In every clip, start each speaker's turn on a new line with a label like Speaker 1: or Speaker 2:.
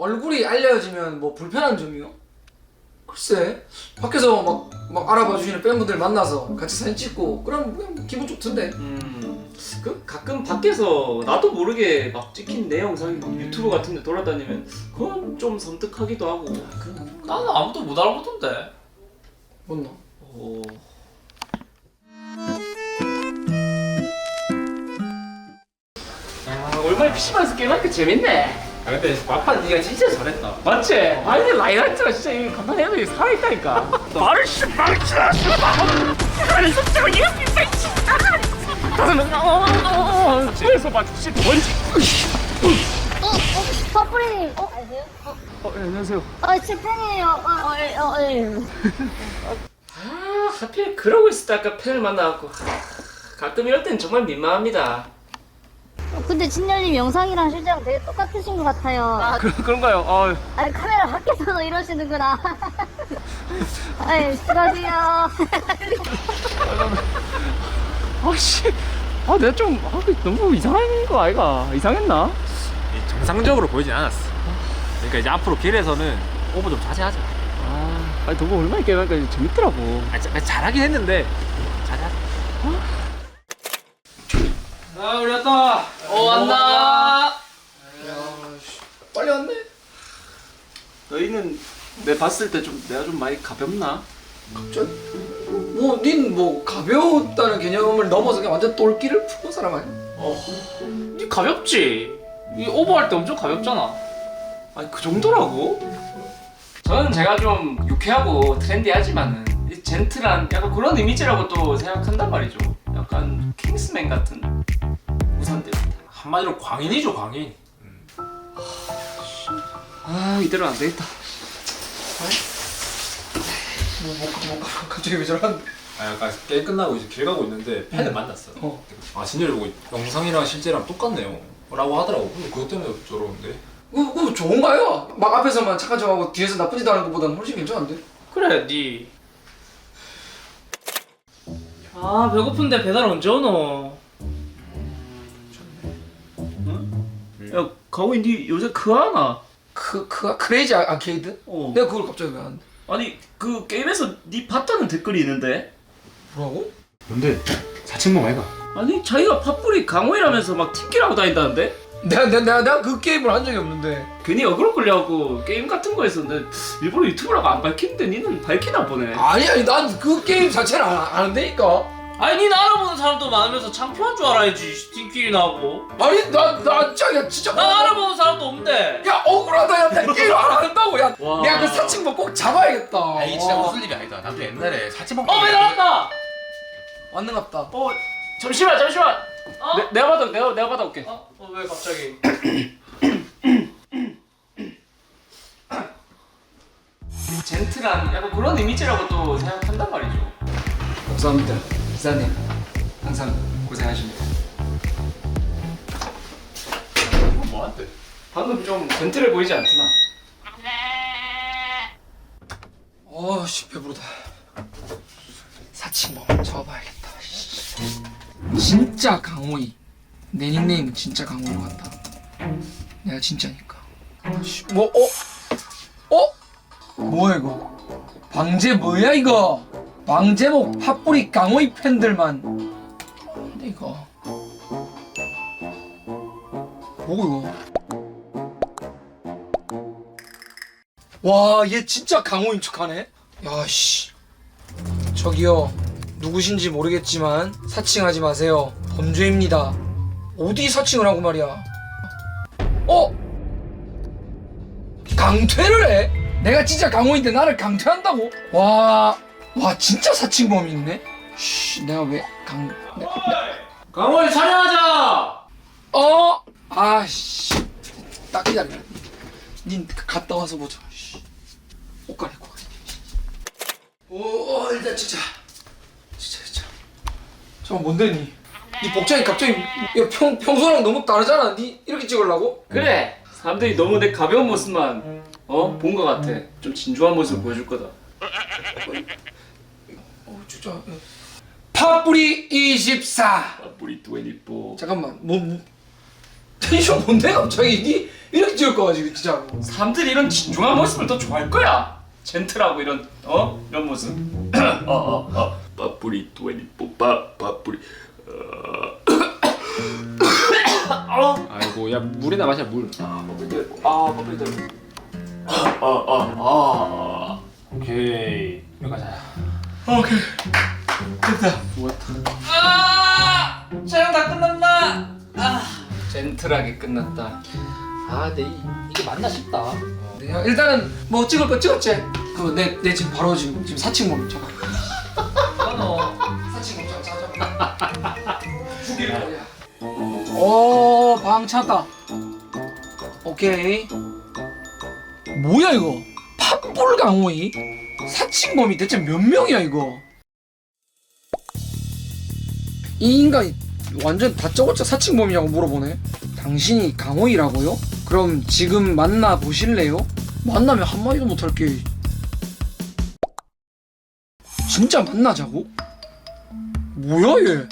Speaker 1: 얼굴이 알려지면 뭐 불편한 점이요? 글쎄 밖에서 막 알아봐 주시는 팬분들 만나서 같이 사진 찍고 그럼 그냥 뭐 기분 좋던데.
Speaker 2: 그 가끔 밖에서 나도 모르게 막 찍힌 내 영상이 막 유튜브 같은 데 돌아다니면 그건 좀 섬뜩하기도 하고.
Speaker 3: 나는 아무도 못 알아보던데.
Speaker 1: 뭔나?
Speaker 2: 어... 야, 얼마나 PC방에서 게임하니까 재밌네.
Speaker 3: 아 근데 막판 네가 진짜 잘했다.
Speaker 2: 맞지? 아니 라이라이트가 진짜 이 간판 애들이 살아있다니까. 말을 씨 집에서 막 씨 뭔지.
Speaker 4: 퍼플님, 아세요?
Speaker 2: 안녕하세요.
Speaker 4: 제 팬이에요. 예.
Speaker 2: 아 하필 그러고 있을 때 아까 팬을 만나갖고 가끔 이럴 땐 정말 민망합니다.
Speaker 4: 근데 진열님 영상이랑 실제랑 되게 똑같으신 것 같아요.
Speaker 2: 그런가요?
Speaker 4: 아니, 카메라 밖에서도 이러시는구나. 아이, 수고하세요.
Speaker 2: 아씨, 내가 좀 너무 이상한 거 아이가? 이상했나?
Speaker 3: 정상적으로 보이진 않았어. 그러니까 이제 앞으로 길에서는 오버 좀 자제하자.
Speaker 2: 아니 너무 얼마나 게임하니까 재밌더라고.
Speaker 3: 잘하긴 했는데 자제하자.
Speaker 2: 아 우리 왔다. 왔나?
Speaker 1: 야 빨리 왔네.
Speaker 2: 너희는 내 봤을 때 좀 내가 좀 많이 가볍나?
Speaker 1: 닌 뭐 가벼웠다는 개념을 넘어서 그냥 완전 똘끼를 푸는 사람 아니야?
Speaker 3: 니 가볍지? 이 오버할 때 엄청 가볍잖아.
Speaker 2: 아니 그 정도라고? 저는 제가 좀 유쾌하고 트렌디하지만은 이 젠틀한 약간 그런 이미지라고 또 생각한단 말이죠. 약간 킹스맨 같은 우산들입니다.
Speaker 3: 한마디로 광인이죠, 광인.
Speaker 2: 이대로 안 되겠다.
Speaker 1: 갑자기 왜 저러는데?
Speaker 5: 약간 게임 끝나고 이제 길 가고 있는데 팬을 만났어. 진열이 보고 영상이랑 실제랑 똑같네요 라고 하더라고. 근데 그것 때문에 저러는데.
Speaker 1: 그거 좋은가요? 막 앞에서만 착한 척하고 뒤에서 나쁜 짓 하는 것보다는 훨씬 괜찮은데?
Speaker 3: 그래, 니. 배고픈데 배달 언제 오노?
Speaker 2: 야 가오이 니 요새 그거 하나?
Speaker 1: 크레이지 아케이드? 내가 그걸 갑자기 왜 하는데?
Speaker 2: 아니 그 게임에서 니 봤다는 댓글이 있는데?
Speaker 1: 뭐라고?
Speaker 5: 뭔데? 사칭범 아이가?
Speaker 2: 아니 자기가 팥불이 강호이라면서 막 팀킬하고 다닌다는데?
Speaker 1: 내가 그 게임을 한 적이 없는데.
Speaker 2: 괜히 어그로 끌려갖고 게임 같은 거에서 내 일부러 유튜브라고 안 밝히는데 니는 밝히나 보네.
Speaker 1: 아니 난 그 게임 자체를 안 한다니까.
Speaker 3: 아니, 니 알아보는 사람도 많으면서 창피한 줄 알아야지. 팀끼리 나고.
Speaker 1: 아니 나 진짜
Speaker 3: 난 알아보는 사람도 없는데.
Speaker 1: 야 억울하다. 야 나 게임 안 한다고. 야
Speaker 3: 와.
Speaker 1: 내가 그 사칭범 꼭 잡아야겠다.
Speaker 5: 아 이게 진짜 무슨 일이 아니다. 나도 옛날에 사칭범.
Speaker 3: 배 나왔다.
Speaker 1: 왔는갑다.
Speaker 2: 잠시만.
Speaker 3: 어?
Speaker 2: 내가 받아올게.
Speaker 3: 왜 갑자기?
Speaker 2: 젠틀한 약간 그런 이미지라고 또 생각한단 말이죠.
Speaker 1: 감사합니다 기사님. 항상 고생하십니다.
Speaker 5: 뭐한테?
Speaker 2: 방금 좀 젠틀해 보이지 않더나?
Speaker 1: 어씨 배부르다. 사칭범 잡아봐야겠다. 진짜 강호이. 내 닉네임은 진짜 강호이 같다. 내가 진짜니까. 뭐 뭐야 이거? 방제 뭐야 이거? 방제목 핫뿌리 강호이 팬들만. 근데 이거 뭐고 이거? 와 얘 진짜 강호인 척하네. 야씨. 저기요 누구신지 모르겠지만 사칭하지 마세요. 범죄입니다. 어디 사칭을 하고 말이야. 강퇴를 해? 내가 진짜 강호인데 나를 강퇴한다고? 와 진짜 사칭범이 있네? 내가 왜
Speaker 3: 강호이 촬영하자.
Speaker 1: 아씨 딱 기다려. 닌 갔다 와서 보자. 옷 갈아입고 가자. 일단 진짜 잠깐 뭔데 니 복장이 갑자기 평소랑 너무 다르잖아. 니 이렇게 찍으려고?
Speaker 2: 그래. 사람들이 너무 내 가벼운 모습만 본 것 같아. 좀 진중한 모습을 보여줄 거다.
Speaker 1: 진짜. 팥뿌리 24.
Speaker 2: 뿌리 24.
Speaker 1: 잠깐만 텐션 뭔데 갑자기? 이렇게 찍을 거 가지고 진짜.
Speaker 2: 사람들이 이런 진중한 모습을 더 좋아할 거야. 젠틀하고 이런 이런 모습. 빠뿌리 24 빠뿌리.
Speaker 3: 아이고 야 물이나 마셔 물.
Speaker 2: 빠뿌리들.
Speaker 3: 오케이 여기 가자.
Speaker 2: 오케이. 됐다. 촬영 다 끝났나? 젠틀하게 끝났다.
Speaker 3: 근데 이게 맞나 싶다.
Speaker 1: 야, 일단은 뭐 찍을 거 찍었지? 내 지금 바로 지금 사칭 몸 잡아. 너 사칭 몸 잡아. 죽일 거야. 방 찼다. 오케이. 뭐야 이거? 팥불 강호이? 사칭범이 대체 몇 명이야 이거? 이 인간이 완전 다짜고짜 사칭범이냐고 물어보네. 당신이 강호이라고요? 그럼 지금 만나 보실래요? 만나면 한마디도 못할게. 진짜 만나자고? 뭐야 얘?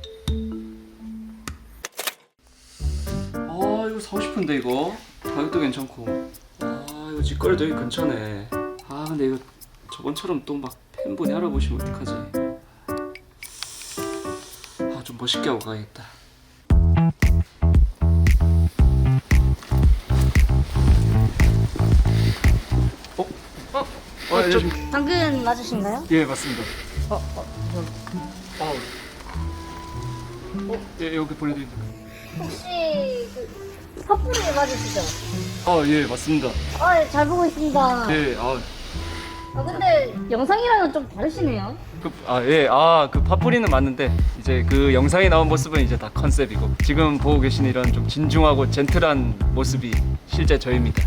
Speaker 2: 이거 사고 싶은데 이거 가격도 괜찮고. 이거 직거래도 여기 근처네. 근데 이거 저번처럼 또 막 팬분이 알아보시면 어떡하지? 좀 멋있게 하고 가야겠다.
Speaker 4: 당근 맞으신가요?
Speaker 2: 예, 맞습니다. 예, 여기 보내드립니다.
Speaker 4: 혹시 그 팥불이 맞으시죠?
Speaker 2: 예, 맞습니다.
Speaker 4: 잘 보고 있습니다.
Speaker 2: 예,
Speaker 4: 근데 영상이랑은 좀 다르시네요.
Speaker 2: 그 팥뿌리는 맞는데 이제 그 영상에 나온 모습은 이제 다 컨셉이고 지금 보고 계신 이런 좀 진중하고 젠틀한 모습이 실제 저입니다.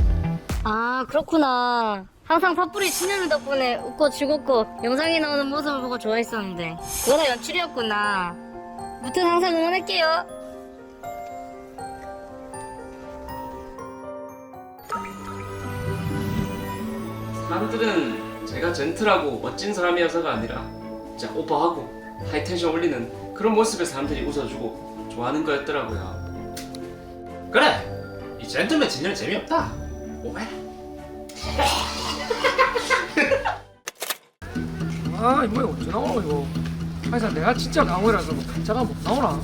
Speaker 4: 그렇구나. 항상 팥불이 친구들 덕분에 웃고 즐겁고 영상에 나오는 모습을 보고 좋아했었는데 그거 다 연출이었구나. 무튼 항상 응원할게요.
Speaker 2: 사람들은 제가 젠틀하고 멋진 사람이어서가 아니라 진짜 오버하고 하이텐션 올리는 그런 모습에 사람들이 웃어주고 좋아하는 거였더라고요.
Speaker 5: 그래. 이 젠틀맨 진열이 재미없다. 오메.
Speaker 1: 이번에 언제 나오노 이거? 하여튼 내가 진짜 강호이라서 뭐 가짜가 못 나오나?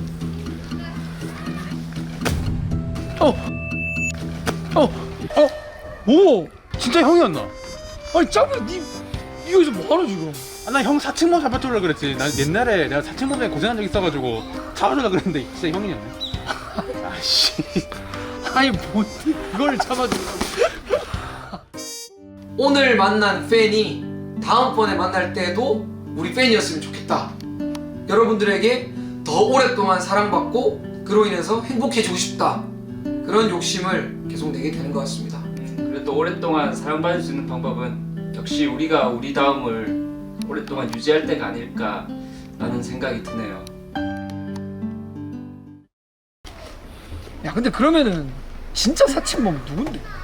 Speaker 6: 오! 진짜 형이었나?
Speaker 1: 아니 짱구 니 여기서 뭐하노 지금?
Speaker 6: 나 형 사칭범 잡아주려고 그랬지. 난 옛날에 내가 사칭범에 고생한 적 있어가지고 잡아주려고 그랬는데 진짜 형이었네. 아씨.
Speaker 1: 아니 뭐 이걸 잡아주려고. 오늘 만난 팬이 다음번에 만날 때도 우리 팬이었으면 좋겠다. 여러분들에게 더 오랫동안 사랑받고 그로 인해서 행복해지고 싶다. 그런 욕심을 계속 내게 되는 것 같습니다.
Speaker 2: 그래도 오랫동안 사랑받을 수 있는 방법은 역시 우리가 우리 다음을 오랫동안 유지할 때가 아닐까라는 생각이 드네요.
Speaker 1: 야 근데 그러면은 진짜 사칭범 누군데?